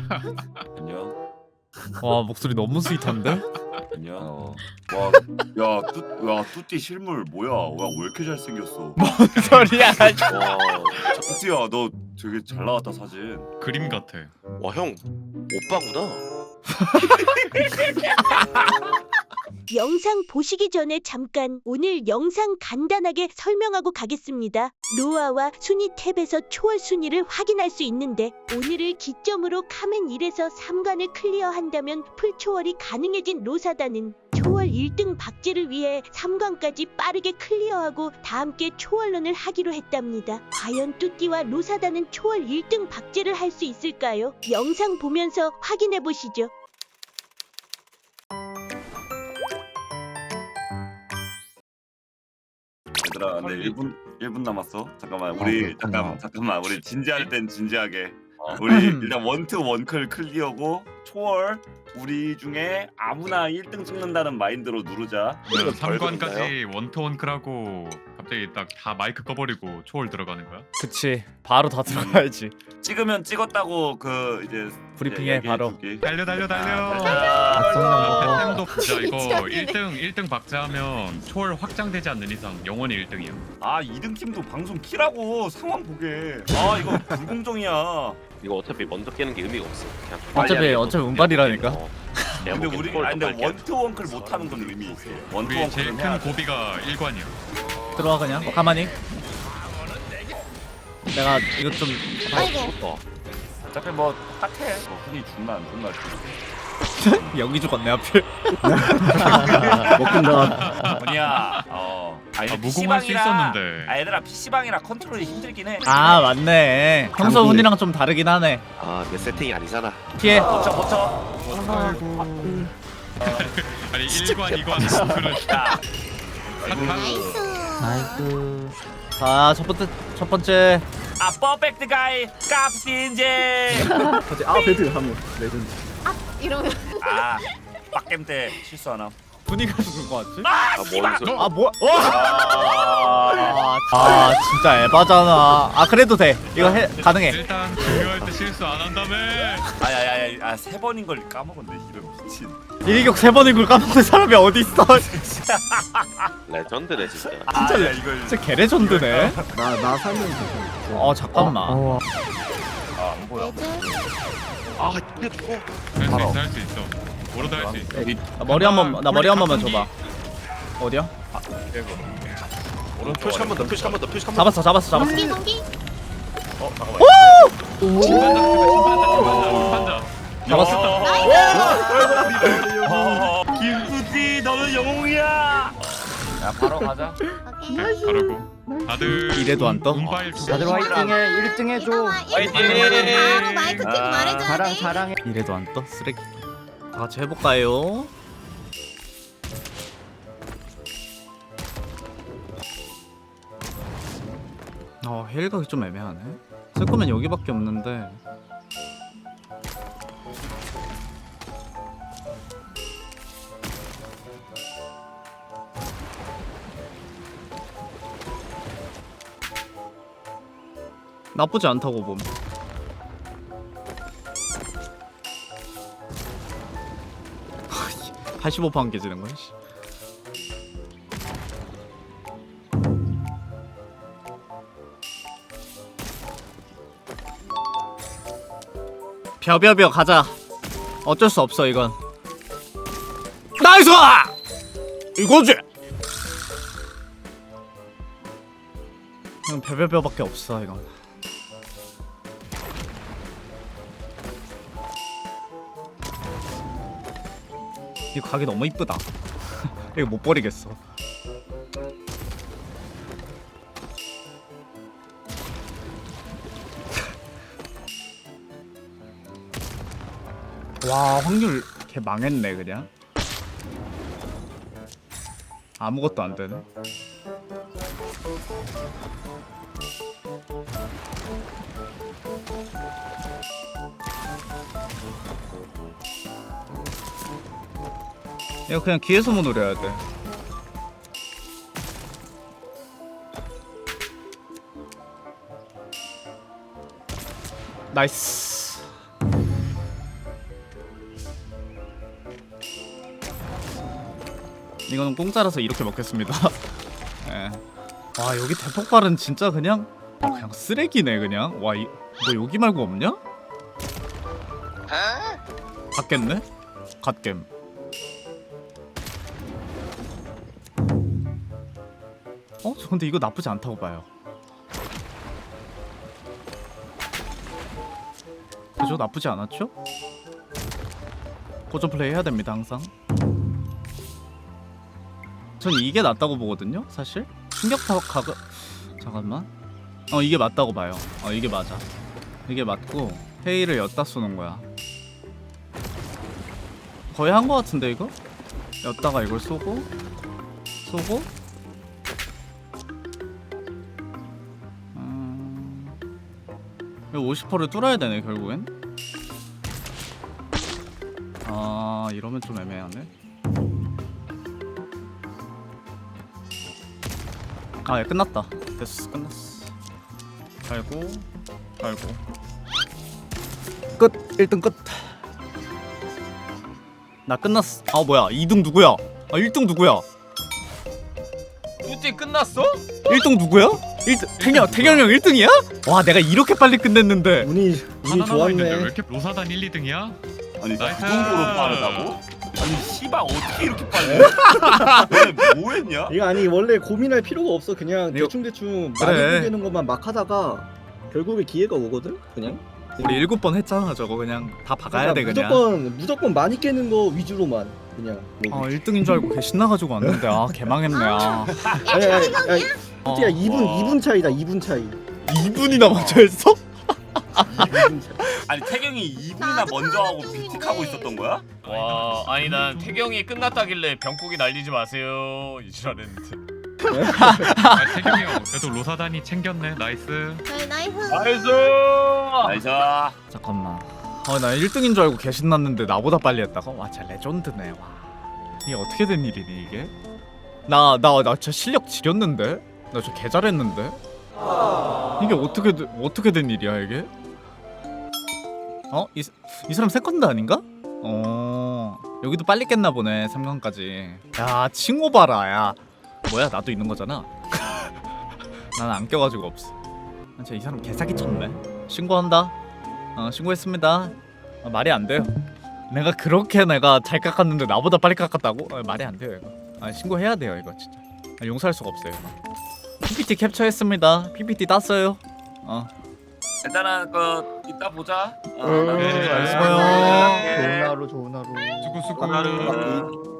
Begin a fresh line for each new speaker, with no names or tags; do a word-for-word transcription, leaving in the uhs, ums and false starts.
안녕.
와 목소리 너무 스윗한데?
안녕.
어.
와, 야, 뚜, 야, 뚜띠 실물 뭐야? 와, 왜 이렇게 잘생겼어?
소리야.
와,
뚜띠야, 너 되게 잘 나왔다 사진.
그림 같아.
와, 형 오빠구나.
영상 보시기 전에 잠깐 오늘 영상 간단하게 설명하고 가겠습니다. 로아와 순위 탭에서 초월 순위를 확인할 수 있는데 오늘을 기점으로 카멘 일에서 삼 관을 클리어한다면 풀초월이 가능해진 로사다는 초월 일 등 박제를 위해 삼 관까지 빠르게 클리어하고 다 함께 초월런을 하기로 했답니다. 과연 뚜띠와 로사다는 초월 일 등 박제를 할 수 있을까요? 영상 보면서 확인해 보시죠.
얘들아, 근데 일 분 일 분 남았어. 잠깐만, 우리
그렇구나.
잠깐만, 잠깐만, 우리 진지할 땐 진지하게.
어.
우리 일단 원투 원클 클리어고 초월 우리 중에 아무나 일 등 찍는다는 마인드로 누르자.
이거
삼 관까지
벌금인가요?
원투 원클하고 갑자기 딱 다 마이크 꺼버리고 초월 들어가는 거야?
그치 바로 다 들어가야지.
찍으면 찍었다고 그 이제
브리핑해,
얘기해
바로.
줄게.
달려 달려 달려.
아,
템도 진짜 이거
미쳤네.
일 등 일 등 박제하면 초월 확장되지 않는 이상 영원히 일 등이야.
아, 이 등 팀도 방송 키라고 상황 보게. 아, 이거 불공정이야.
이거 어차피 먼저 깨는 게 의미가 없어. 그냥
어차피-
빨리 하는
어차피
것도
운빨이라니까.
어. 내가
근데
보기엔
우리
초월도
아니 근데
빨리
원투 원클 못 하는 건 의미 있어. 원투
우리 제일
원클은 해야
큰
돼.
고비가 일 관이야.
들어와 그냥 가만히. 내가 이거 좀
깨.
어차피 뭐 딱해. 뭐 흔히 죽나 안 죽나.
여기 죽었네 하필.
먹힌다.
뭐냐? 어. 아니,
아, 무공할 수 있었는데.
아, 얘들아 피씨방이라 컨트롤이 힘들긴 해.
아 맞네. 평소
장비.
운이랑 좀 다르긴 하네.
아, 내 세팅이 아니잖아.
피해.
버텨 버텨.
아니 일 관 이 관 그런.
야.
나이스.
자 첫 번째 첫 번째.
아, 퍼펙트 가이 깝신제.
갑자기 아 배드 하면 레전드.
이러면
아, 빡겜 때 실수 하나.
분위기가 죽은 거 같지?
아,
아,
씨발.
뭔 소리?
아 뭐야?
아,
아 진짜 에바잖아. 아 그래도 돼. 이거 해 가능해.
일단 중요할 때 실수 안 한다며.
아야야야, 아, 세 번인 걸 까먹었네. 이런 미친.
일격 세 번인 걸 까먹는 사람이 어디 있어?
레전드네 진짜.
아, 야, 이거
진짜 개레전드네.
나나 살면 괜찮아.
어 잠깐만.
어,
아, 안 보여.
아, 이게 죽어.
할 수 있어 할 수 있어. 뭐로도 할 수 있어.
나 머리 한 번, 나 머리 한 번만 줘봐. 어디야?
오른쪽 표시 한 번 더, 표시 한 번 더, 표시 한 번 더.
잡았어, 잡았어, 잡았어.
공기 공기
어, 잠깐만.
심판자 심판자 심판자.
잡았어.
어, 김수지, 너는 영웅이야. 야, 바로 가자.
오케이
네, 바르고. 다들
이래도 안 떠?
운바일 두
다들 화이팅해. 일 등 해줘.
화이팅!
바로 마이크 켜고
아,
말해줘야
자랑
돼.
자랑해.
이래도 안 떠? 쓰레기. 다 같이 해볼까요? 어, 헬각이 좀 애매하네. 쓸 거면 여기밖에 없는데. 나쁘지 않다고 봄. 팔십오 퍼센트 깨지는 거야. 씨. 벼벼벼 가자. 어쩔 수 없어 이건. 나이스! 이거지. 그냥 벼벼벼밖에 없어 이건. 이 가게 너무 이쁘다. 이거 못 버리겠어. 와 확률 개 망했네 그냥. 아무것도 안 되네. 이거 그냥 기회소모 노려야 돼. 나이스. 이거는 공짜라서 이렇게 먹겠습니다. 예. 와 여기 대폭발은 진짜 그냥 아, 그냥 쓰레기네 그냥. 와 이 뭐 여기 말고 없냐? 갔겠네? 갓겜. 어? 저 근데 이거 나쁘지 않다고 봐요. 그죠? 나쁘지 않았죠? 고전 플레이 해야 됩니다 항상. 전 이게 낫다고 보거든요 사실. 충격파 가가 잠깐만. 어 이게 맞다고 봐요. 어 이게 맞아. 이게 맞고 헤이를 엿다 쏘는 거야. 거의 한 거 같은데 이거? 엿다가 이걸 쏘고 쏘고 음... 이거 오십 퍼센트를 뚫어야 되네 결국엔. 아 이러면 좀 애매하네. 아, 예, 끝났다. 됐어, 끝났어. 갈고, 갈고. 끝! 일 등 끝! 나 끝났어. 아, 뭐야, 이 등 누구야? 아, 일 등 누구야?
뚜띠 끝났어?
일 등 누구야? 일 등, 태경, 태경 형 일 등이야? 와, 내가 이렇게 빨리 끝냈는데.
운이 운이
하나 남아 있는데 왜
좋았네.
이렇게 로사단 일, 이 등이야?
아니 그
나이스.
정도로 빠르다고? 아니 씨발 어떻게 이렇게 빨리? 왜 뭐했냐?
이거 아니 원래 고민할 필요가 없어. 그냥
이거-
대충 대충
그래.
많이 되는 것만 막 하다가 결국에 기회가 오거든. 그냥.
우리 일곱 번 했잖아, 저거 그냥. 다 박아야 돼,
그러니까
그냥.
무조건 무조건 많이 깨는 거 위주로만 그냥. 뭐.
아, 일 등인 줄 알고 개 신나가지고 왔는데, 아, 개망했네, 아.
아니 아니 아니.
어.
솔직히 이 분
와.
이 분 차이다. 이 분 차이.
이 분이나 먼저 했어?
이 분 차이.
아니 태경이 이 분이나 먼저 하고 빅틱하고 있었던 거야?
와 아니 난 태경이 끝났다길래 병국이 날리지 마세요 이지랄했는데.
아, 태경이 형 그래도 로사단이 챙겼네. 나이스.
저희 나이스.
나이스.
나이스.
잠깐만. 아, 나 일 등인 줄 알고 개 신났는데 나보다 빨리 했다고? 와, 진짜 레전드네. 와. 이게 어떻게 된 일이니 이게? 나 나 나 진짜 실력 지렸는데? 나 진짜 개 잘했는데? 이게 어떻게 되- 어떻게 된 일이야 이게? 어? 이, 이 사람 세컨드 아닌가? 어 여기도 빨리 깼나 보네 삼 강까지. 야 칭호 봐라 야. 뭐야 나도 있는 거잖아. 나는 안 껴가지고 없어. 아, 진짜 이 사람 개사기 쳤네. 신고한다. 어 신고했습니다. 아, 말이 안 돼요. 내가 그렇게 내가 잘 깎았는데 나보다 빨리 깎았다고? 아, 말이 안 돼요 이거. 아 신고해야 돼요 이거 진짜. 아, 용서할 수가 없어요. 피피티 캡처했습니다. 피피티 땄어요. 어.
일단은 그 이따 보자. 어,
음,
나도
네,
알겠어요.
알겠어요.
좋은 하루 좋은 하루.
수고 수고.
하루.